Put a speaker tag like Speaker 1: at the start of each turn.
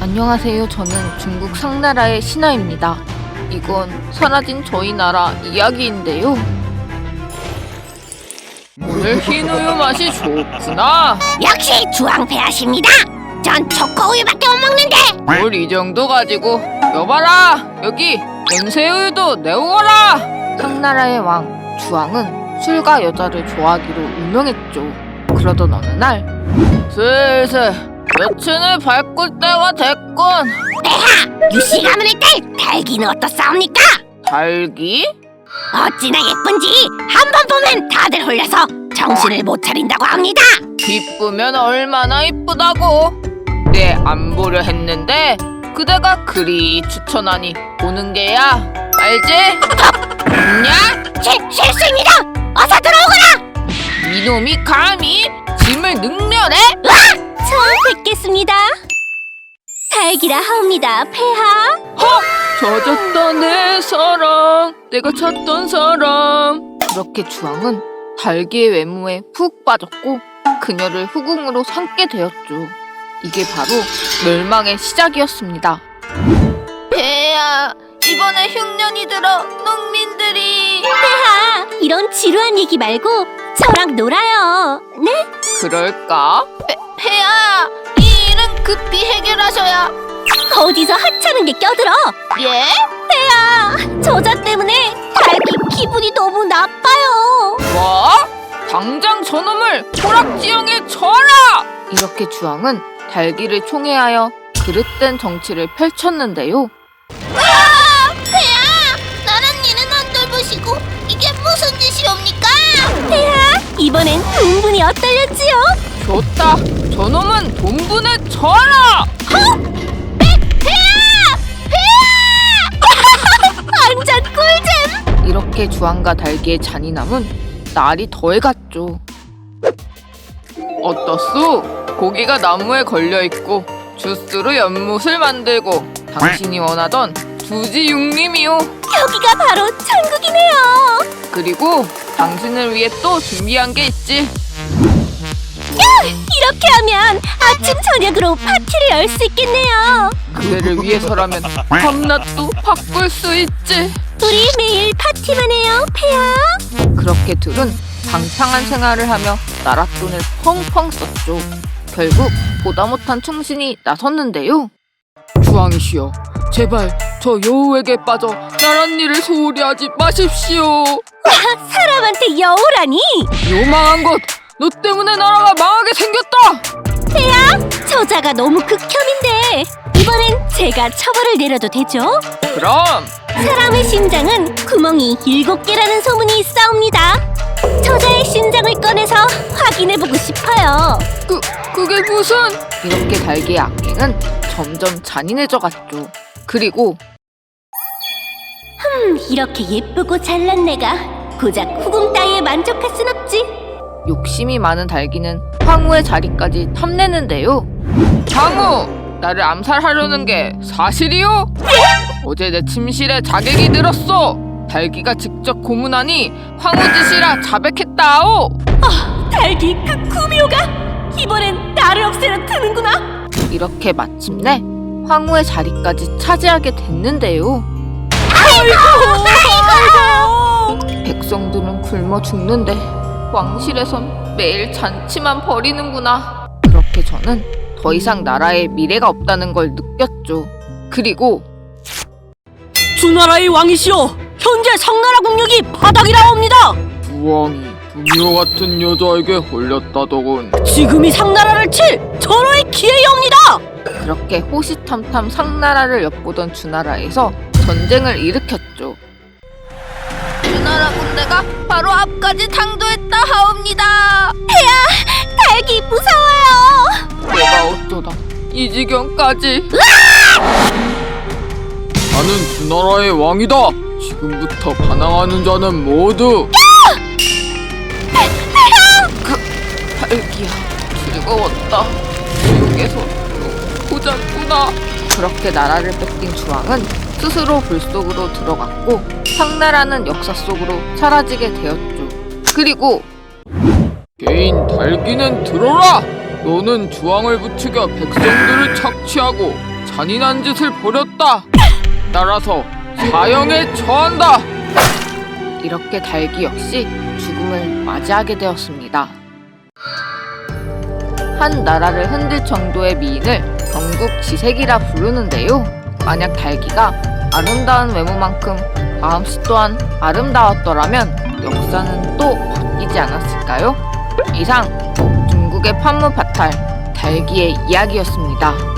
Speaker 1: 안녕하세요. 저는 중국 상나라의 신하입니다. 이건 사라진 저희 나라 이야기인데요. 오늘 흰우유 맛이 좋구나.
Speaker 2: 역시 주황폐하십니다. 전 초코우유밖에 못 먹는데.
Speaker 1: 뭘 이 정도 가지고. 여봐라, 여기 연새우유도 내오거라. 상나라의 왕 주황은 술과 여자를 좋아하기로 유명했죠. 그러던 어느 날 슬슬 여친을 밟을 때가 됐군.
Speaker 2: 폐하, 유씨 가문의 딸 달기는 어떻사옵니까?
Speaker 1: 달기?
Speaker 2: 어찌나 예쁜지 한 번 보면 다들 홀려서 정신을 못 차린다고 합니다.
Speaker 1: 이쁘면 얼마나 이쁘다고. 내 안 보려 했는데 그대가 그리 추천하니 보는 게야. 알지? 있냐?
Speaker 2: 실수입니다. 어서 들어오거라.
Speaker 1: 이놈이 감히 짐을 능멸해?
Speaker 2: 처음 뵙겠습니다. 달기라 하옵니다, 폐하.
Speaker 1: 헉! 젖었다 내 사랑, 내가 찾던 사람. 그렇게 주황은 달기의 외모에 푹 빠졌고 그녀를 후궁으로 삼게 되었죠. 이게 바로 멸망의 시작이었습니다. 폐하, 이번에 흉년이 들어 농민들이...
Speaker 2: 폐하, 이런 지루한 얘기 말고 저랑 놀아요. 네?
Speaker 1: 그럴까? 폐하, 이 일은 급히 해결하셔야...
Speaker 2: 어디서 하찮은 게 껴들어?
Speaker 1: 예?
Speaker 2: 폐하, 저자 때문에 달기 기분이 너무 나빠요.
Speaker 1: 뭐? 당장 저놈을 호락지형에 쳐라! 이렇게 주황은 달기를 총애하여 그릇된 정치를 펼쳤는데요.
Speaker 2: 폐하, 나란니는 안 돌보시고 이게 무슨 짓이옵니까? 폐하, 이번엔 동분이 어떨렸지요?
Speaker 1: 좋다! 저놈은 돈분에 쳐라!
Speaker 2: 완전 꿀잼!
Speaker 1: 이렇게 주황과 달기의 잔인함은 날이 더해갔죠. 어떻소? 고기가 나무에 걸려있고 주스로 연못을 만들고 당신이 원하던 두지육림이요.
Speaker 2: 여기가 바로 천국이네요.
Speaker 1: 그리고 당신을 위해 또 준비한 게 있지.
Speaker 2: 이렇게 하면 아침 저녁으로 파티를 열 수 있겠네요.
Speaker 1: 그대를 위해서라면 밤낮도 바꿀 수 있지.
Speaker 2: 우리 매일 파티만 해요, 폐하.
Speaker 1: 그렇게 둘은 방탕한 생활을 하며 나랏돈을 펑펑 썼죠. 결국 보다 못한 충신이 나섰는데요. 주황이시여, 제발 저 여우에게 빠져 나랏일을 소홀히 하지 마십시오.
Speaker 2: 사람한테 여우라니?
Speaker 1: 요망한 것! 너 때문에 나라가 망하게 생겼다!
Speaker 2: 폐하, 저자가 너무 극혐인데 이번엔 제가 처벌을 내려도 되죠?
Speaker 1: 그럼
Speaker 2: 사람의 심장은 구멍이 7개라는 소문이 있사옵니다. 저자의 심장을 꺼내서 확인해보고 싶어요.
Speaker 1: 그게 무슨... 이렇게 달기의 악행은 점점 잔인해져 갔죠. 그리고
Speaker 2: 이렇게 예쁘고 잘난 내가 고작 후궁 따위에 만족할 순 없지.
Speaker 1: 욕심이 많은 달기는 황후의 자리까지 탐내는데요. 황후! 나를 암살하려는 게 사실이요? 어제 내 침실에 자객이 늘었소. 달기가 직접 고문하니 황후 짓이라 자백했다오.
Speaker 2: 달기 그 구미호가 이번엔 나를 없애려 드는구나.
Speaker 1: 이렇게 마침내 황후의 자리까지 차지하게 됐는데요.
Speaker 2: 아이고.
Speaker 1: 백성들은 굶어 죽는데 왕실에선 매일 잔치만 벌이는구나. 그렇게 저는 더 이상 나라에 미래가 없다는 걸 느꼈죠. 그리고
Speaker 2: 주나라의 왕이시여, 현재 상나라 국력이 바닥이라옵니다.
Speaker 3: 주왕이 부미호 같은 여자에게 홀렸다더군.
Speaker 2: 지금이 상나라를 칠 절호의 기회이옵니다.
Speaker 1: 그렇게 호시탐탐 상나라를 엿보던 주나라에서 전쟁을 일으켰죠. 주나라 군대가 바로 앞까지 당도했다 하옵니다.
Speaker 2: 달기 무서워요.
Speaker 1: 내가 어쩌다 이 지경까지.
Speaker 3: 나는 주나라의 왕이다. 지금부터 반항하는 자는 모두
Speaker 1: 달기야, 즐거웠다. 지옥에서 보자꾸나. 그렇게 나라를 뺏긴 주황은 스스로 불 속으로 들어갔고 상나라는 역사 속으로 사라지게 되었죠. 그리고
Speaker 3: 개인 달기는 들어라. 너는 주왕을 부추겨 백성들을 착취하고 잔인한 짓을 벌였다. 따라서 사형에 처한다.
Speaker 1: 이렇게 달기 역시 죽음을 맞이하게 되었습니다. 한 나라를 흔들 정도의 미인을 경국지색이라 부르는데요. 만약 달기가 아름다운 외모만큼 마음씨 또한 아름다웠더라면 역사는 또 바뀌지 않았을까요? 이상 중국의 판무파탈 달기의 이야기였습니다.